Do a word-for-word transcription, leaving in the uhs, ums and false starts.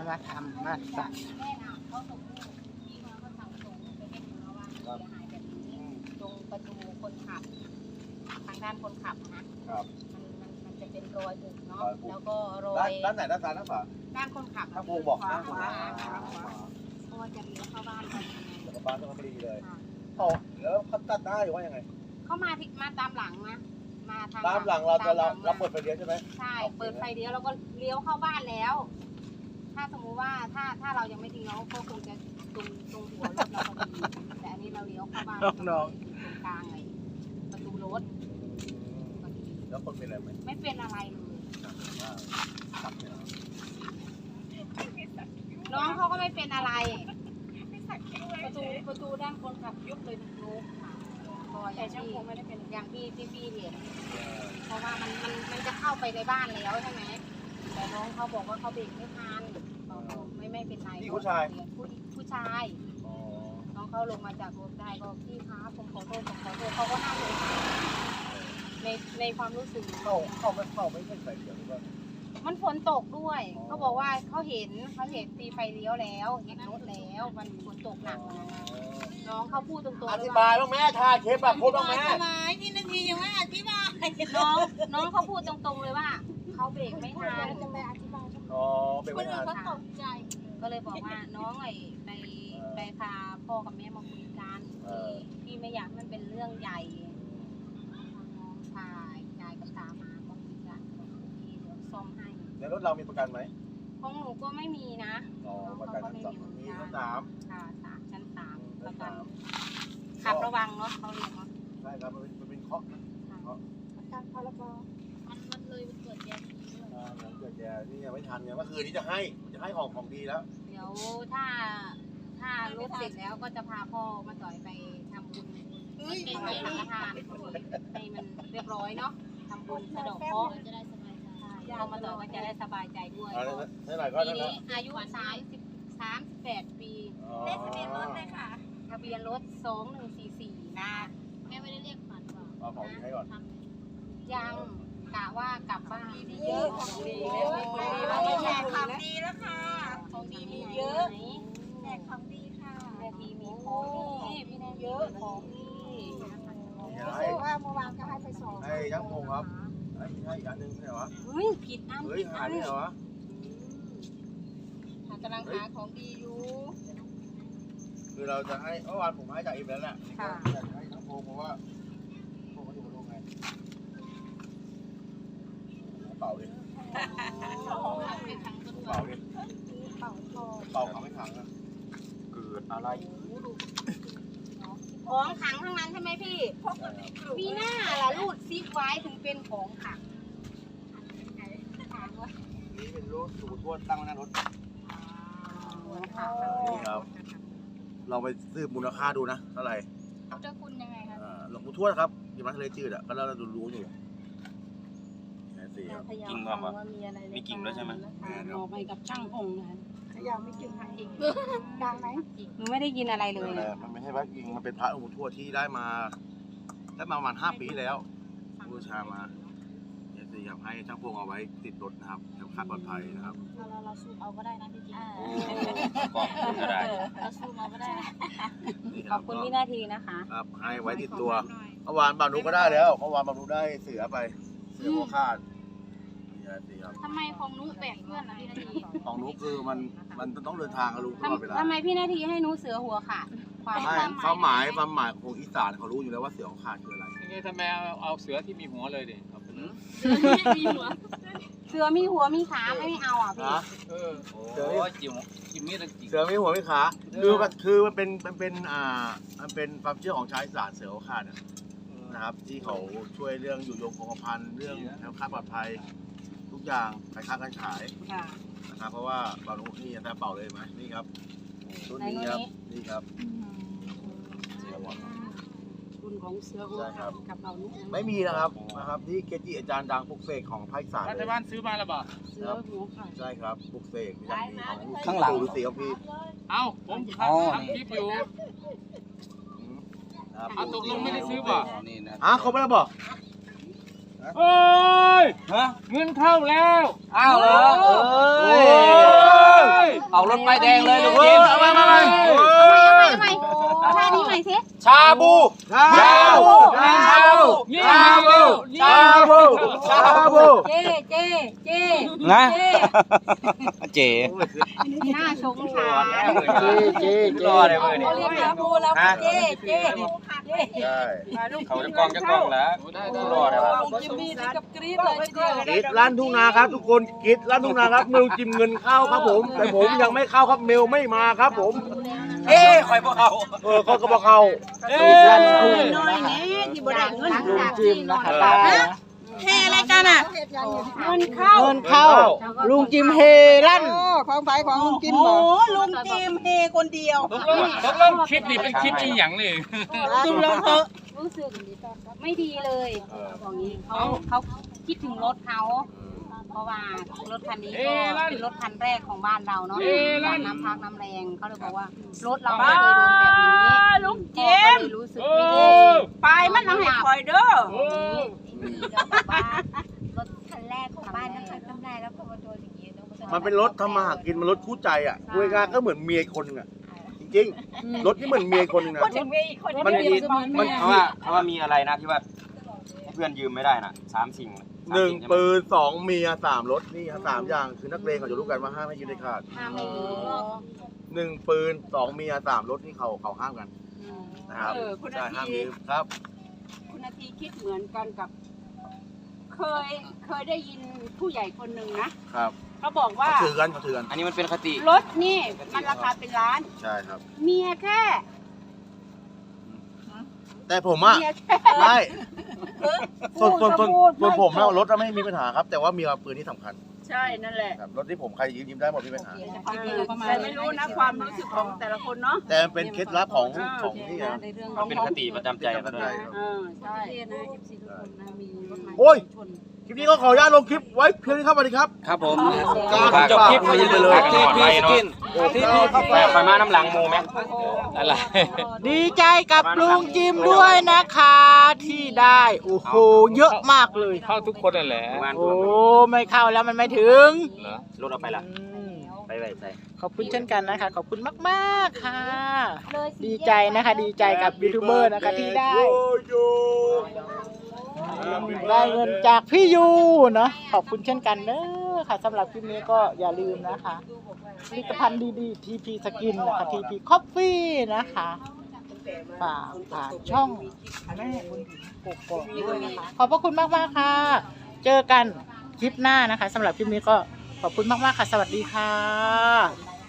มาทำมาสั่งตรงประตูคนขับทางด้านคนขับนะครับมันมันมันจะเป็นรอยบุบเนาะแล้วก็รอยด้านไหนด้านซ้ายด้านขวาด้านคนขับถ้าโบบอกด้านขวาเพราะว่าจะเลี้ยวเข้าบ้านพอดีแล้วก็บ้านต้องพอดีเลยเขาแล้วเขาตัดได้หรือว่ายังไงเขามาที่มาตามหลังนะมาทางตามหลังเราจะเราเราเปิดไฟเลี้ยวใช่ไหมใช่เปิดไฟเลี้ยวแล้วก็เลี้ยวเข้าบ้านแล้วถ้าสมมุติว่าถ้าถ้าเรายังไม่ทิ้งเราก็คงจะตรงตรงหัวรถเราพอดีแต่อันนี้เราเลี้ยวเข้าบ้านน้องตรงกลางไงประตูรถแล้วคนเป็นอะไรไหมไม่เป็นอะไรเลยน้องเขาก็ไม่เป็นอะไรประตูประตูด้านคนขับยุบเลยนุ๊กแต่ช่างคงไม่ได้เป็นอย่างที่ที่พี่เห็นเพราะว่ามันมันมันจะเข้าไปในบ้านแล้วใช่ไหมแต่น้องเขาบอกว่าเขาเบรกไม่ทันไม่ไม่เป็นไรผู้ชายผู้ผู้ชายน้องเขาลงมาจากรถได้ก็พี่ครับผมขอโทษผมขอโทษเขาก็น่าสงสารในในความรู้สึกเขาเขาไม่เขาไม่เป็นไฟเลี้ยวหรือว่ามันฝนตกด้วยเขาบอกว่าเขาเห็นเขาเห็นตีไฟเลี้ยวแล้วเห็นรถแล้วมันฝนตกหนักน้องเขาพูดตรงๆอธิบายบ้างแม่ถ่ายคลิปแบบพูดบ้างแม่ทำไมพี่นาทียังไม่อธิบายน้องน้องเขาพูดตรงๆเลยว่าเขาเบรกไม่ทันจะไปอธิบายอ๋อเบรกไม่ทันก็ตกใจก็เลยบอกว่าน้องไอ้ไปไปพาพ่อกับแม่มาคุยกันพี่ไม่อยากมันเป็นเรื่องใหญ่น้องพายายกับตามามาคุยกันพี่เดี๋ยวซ่อมให้แล้วรถเรามีประกันไหมของหนูก็ไม่มีนะอ๋อประกันชั้นสามมีชั้นสามค่ะสามชั้นสามประกันขับระวังเนาะเขาเรียกเนาะใช่ครับมันเป็นมันเป็นเคาะเคาะประกันพรบมันมันเลยมันเกิดแย่อ่าเกิดแย่นี่ยังไม่ทันไงเมื่อคืนนี้จะให้จะให้ของของดีแล้วเดี๋ยวถ้าถ้ารถเสร็จแล้วก็จะพาพ่อมาต่อยไปทำบุญถวายสังฆทานให้มันเรียบร้อยเนาะทำบุญสะดอกเคราะห์จะได้สบายใจพอมาต่อยก็จะได้สบายใจด้วยเท่าไหร่ก็ปีนี้อายุสามสิบสามสิบแปดปีเลขทะเบียนรถเลยค่ะทะเบียนรถสองหนึ่งสี่สี่นะแม่ไม่ได้เรียกฝันหรอเอาของดีให้ก่อนยังกะว่ากลับบ้านเยอะของดีแล้วไม่แจกของดีแล้วค่ะของดีมีเยอะแจกของดีค่ะแม่ทีมีของดีพี่แน่เยอะของดีซื้อว่าเมื่อวานก็ให้ไปสองให้ยังงงครับให้ให้อีกอันนึงใช่ไหมเฮ้ยผิดอันเฮ้ยหาเนี่ยเหรอกำลังหาของดีอยู่คือเราจะให้เมื่อวานผมให้จากอีเวนต์แหละอยากให้ทั้งโพเพราะว่าโพเขาอยู่บนโลกไงเป่าดิเป่าดิเป่าเป่าเขาไม่ขังนะเกิดอะไรของขังทั้งนั้นใช่ไหมพี่มีหน้าล่ะรูดซิปไว้ถึงเป็นของขังนี่เป็นรถสูบทวดตั้งไว้หน้ารถนี่ครับเราไปซื้อมูลค่าดูนะเท่าไหร่เจ้าคุณยังไงครับหลวงปู่ทวดครับอยู่มาทะเลจืดอ่ะก็เราดูรู้อยู่กิ่งความว่ามีกิ่งด้วยใช่ไหมมอบให้กับช่างพงนะขยะไม่กิ่งค่ะอีกดังไหมหนูไม่ได้ยินอะไรเลยมันไม่ใช่พระกิ่งมันเป็นพระหลวงปู่ทวดที่ได้มาได้มาประมาณห้าปีแล้วบูชามาเนี่ยสิครับให้ช่างพงเอาไว้ติดรถนะครับแถวคาดปลอดภัยนะครับเราเราซูมเอาก็ได้นะพี่จิ๊กก็ได้เราซูมเอาก็ได้ขอบคุณพี่นาทีนะคะครับให้ไว้ติดตัวเมื่อวานบางนุก็ได้แล้วเมื่อวานบางนุได้เสือไปเสือหัวขาดทำไมของนุแปลกเพื่อนล่ะพี่นาทีของนุคือมันมันต้องเดินทางกันรู้ตลอดเวลาทำไมพี่นาทีให้นุเสือหัวขาดความความหมายความหมายของอีสานเขารู้อยู่แล้วว่าเสือหัวขาดคืออะไรยังไงทำไมเอาเสือที่มีหัวเลยดิมีหัวเสือมีหัวมีขาไม่เอาอ่ะพี่เออเสือจิ๋วจิ๋วมีแต่จิ๋วเสือมีหัวมีขาคือคือมันเป็นมันเป็นอ่ามันเป็นความเชื่อของชาวอีสานเสือหัวขาดนะครับที่เขาช่วยเรื่องอยู่ยงคงกระพันเรื่องแคล้วคลาดปลอดภัยทุกอย่างขายค้าการขายนะครับเพราะว่าบางนุนี่แต่เป่าเลยไหมนี่ครับชุดนี้ครับนี่ครับคุณของเสือหัวกับเรานุไม่มีนะครับนะครับที่เกจิอาจารย์ดังปลุกเสกของภาคอีสานรัฐบาลซื้อมาแล้วบ่เสือหัวขาดใช่ครับปลุกเสกของข้างหลังดูสีของพี่เอ้าผมทำคลิปอยู่เอาตกลงไม่ได้ซื้อบ่อ่ะเขาไม่ได้บอกเอ้ยฮะเงินเข้าแล้วอ้าวเหรอเอ้ยเอารถป้ายแดงเลยลุงเอจิอมเอามามามาเอาใหม่เอาใหม่เอาท่านี้ใหม่สิชาบูชาบูชาบูนี่มาเร็วชาบูชาบูเจ๊เจ๊เจ๊นะเจ๊เจหน้าชงชาเจเจรอเลยเว้ยเขาเรียกชาบูแล้วเจ๊เจ๊เจ๊ใช่เขาจะกองจะกองแล้วรอเลยว่ะลุงจิมมี่นี่กับกรี๊ดเลยทีเดียวกิดร้านทุ่งนาครับ ทุกคนกิดร้านทุ่งนาครับเมลจิมเงินเข้าครับผม แต่ผมยังไม่เข้าครับเมลไม่มาครับผมเอ้คอยพวกเขาเออเขาก็บอกเข้าร้านคุณน้อยเนี่ยที่บ่ได้เงินลุงจิมนะคะเฮอะไรกันอ่ะเงินเข้าเงินเข้าลุงจิมเฮลั่นของไฟของลุงจิมโอ้ลุงจิมเฮคนเดียวตกลงตกลงคลิปนี้เป็นคลิปอีหยังนี่จุ่มลงเถอะรู้สึกไม่ดีเลยบอกงี้เขาเขาคิดถึงรถเขาเพราะว่ารถคันนี้ก็เป็นรถคันแรกของบ้านเราเนาะจากน้ำพักน้ำแรงเขาเลยบอกว่ารถเราไม่เคยโดนแบบนี้ลุงก็จิมเลยรู้สึกโอ้ไม่ดีไปมันเอาให้คอยเด้อโอ้รถคันแรกของบ้านนะคะน้ำลายแล้วพอมาโดนอย่างนี้มันเป็นรถทำมาหากินมันรถคู่ใจอ่ะคุยงานก็เหมือนเมียคนหนึงอ่ะจริงๆรถนี่เหมือนเมียคนหนึงนะพูดถึงเมียอีกคนมันมีมันเพราะว่าเพราะว่ามีอะไรนะที่ว่าเพื่อนยืมไม่ได้น่ะสามสิ่งหนึ่งปืนสองเมียสามรถนี่สามอย่างคือนักเลงเขาจะรู้กันว่าห้ามให้ยืมได้ขาดห้ามไม่ดีหนึ่งปืนสองเมียสามรถนี่เขาเขาห้ามกันนะครับเออคุณใช่นาห้ามทียืมครับคุณนาทีคิดเหมือนกันกับ เคยเคยได้ยินผู้ใหญ่คนหนึ่งนะครับ เขาบอกว่าเขาถือกันเขาถือกันอันนี้มันเป็นคติรถนี่มันราคาเป็นล้านใช่ครับเมียแค่แต่ผมอ่ะเมียแค่ไม่ส่วนส่วนส่วนพูดส่วนผมไม่แล้วพูดรถน่ะไม่มีปัญหาครับ แต่ว่ามีปืนที่สำคัญใช่นั่นแหละครับรถที่ผมใครยืมยืมได้หมดไม่มีปัญหาแต่ไม่รู้นะความรู้สึกของแต่ละคนเนาะแต่มันเป็นเคล็ดลับของของนี่นะในเรื่องมันเป็นคติประจำใจกันด้วยเออใช่นะเอฟซีทุกคนนะมีรถมาโอ้ย คลิปนี้ก็ขออนุญาตลงคลิปไว้เพียงนี้ครับสวัสดีครับครับผมฝากจบคลิปฝากไปเลยทีพีสกินทีพีแปะไฟมาน้ำหลังโมไหมอะไรดีใจกับลุงจิมด้วยนะคะ ที่ได้ โอ้โห เยอะมากเลยเข้าทุกคนนั่นแหละงานโอ้ไม่เข้าแล้วมันไม่ถึงเหรอรถเอาไปละอืมไปไปใส่ขอบคุณเช่นกันนะคะ ขอบคุณมากๆค่ะ ดีใจนะคะ ดีใจกับยูทูบเบอร์นะคะที่ได้ ได้เงินจากพี่ยูเนาะขอบคุณเช่นกันเนอะค่ะสำหรับคลิปนี้ก็อย่าลืมนะคะผลิตภัณฑ์ดีๆ ที พี Skin นะคะ ที พี Coffee นะคะฝากฝากช่องแม่บุญถิ่นปกป้องด้วยนะคะ ขอบพระคุณมากๆค่ะ เจอกันคลิปหน้านะคะสำหรับคลิปนี้ก็ขอบคุณมากๆค่ะ สวัสดีค่ะ